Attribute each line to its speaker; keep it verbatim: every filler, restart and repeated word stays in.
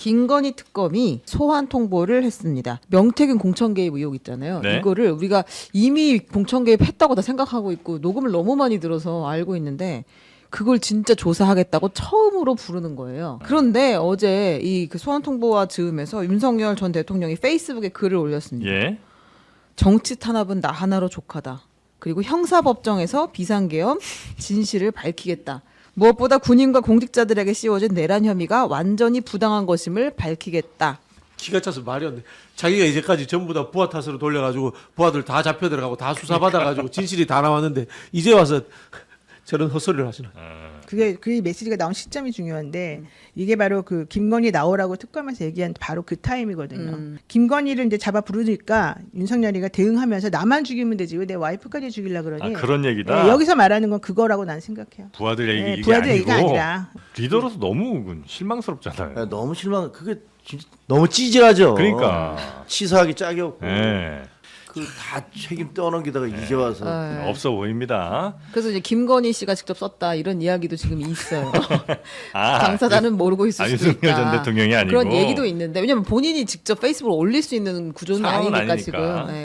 Speaker 1: 김건희 특검이 소환 통보를 했습니다. 명태균 공천 개입 의혹 있잖아요.
Speaker 2: 네.
Speaker 1: 이거를 우리가 이미 공천 개입했다고 다 생각하고 있고 녹음을 너무 많이 들어서 알고 있는데 그걸 진짜 조사하겠다고 처음으로 부르는 거예요. 그런데 어제 이 그 소환 통보와 즈음에서 윤석열 전 대통령이 페이스북에 글을 올렸습니다.
Speaker 2: 예.
Speaker 1: 정치 탄압은 나 하나로 족하다. 그리고 형사법정에서 비상계엄 진실을 밝히겠다. 무엇보다 군인과 공직자들에게 씌워진 내란 혐의가 완전히 부당한 것임을 밝히겠다.
Speaker 3: 기가 차서 말이 안 돼. 자기가 이제까지 전부 다 부하 탓으로 돌려가지고 부하들 다 잡혀 들어가고 다 수사받아가지고 진실이 다 나왔는데 이제 와서 저런 헛소리를 하시나.
Speaker 4: 그게 그 메시지가 나온 시점이 중요한데 이게 바로 그 김건희 나오라고 특검에서 얘기한 바로 그 타임이거든요.
Speaker 1: 음.
Speaker 4: 김건희를 이제 잡아 부르니까 윤석열이가 대응하면서 나만 죽이면 되지 왜 내 와이프까지 죽이려 그러니?
Speaker 2: 아, 그런 얘기다.
Speaker 4: 네, 여기서 말하는 건 그거라고 난 생각해요.
Speaker 2: 부하들 얘기
Speaker 4: 네,
Speaker 2: 이게
Speaker 4: 부하들
Speaker 2: 아니고
Speaker 4: 얘기가 아니라.
Speaker 2: 리더로서 너무 실망스럽잖아요.
Speaker 5: 야, 너무 실망. 그게 진짜 너무 찌질하죠.
Speaker 2: 그러니까.
Speaker 5: 치사하기 짝이 없고.
Speaker 2: 예.
Speaker 5: 그 다 책임 떠넘기다가 이제 와서.
Speaker 1: 네.
Speaker 2: 없어 보입니다.
Speaker 1: 그래서 이제 김건희 씨가 직접 썼다 이런 이야기도 지금 있어요.
Speaker 2: 아,
Speaker 1: 당사자는 모르고 있을
Speaker 2: 아,
Speaker 1: 수도
Speaker 2: 윤석열
Speaker 1: 있다.
Speaker 2: 전 대통령이 아니고
Speaker 1: 그런 얘기도 있는데 왜냐면 본인이 직접 페이스북을 올릴 수 있는 구조는
Speaker 2: 상황은
Speaker 1: 아니니까,
Speaker 2: 아니니까.
Speaker 1: 지금. 네.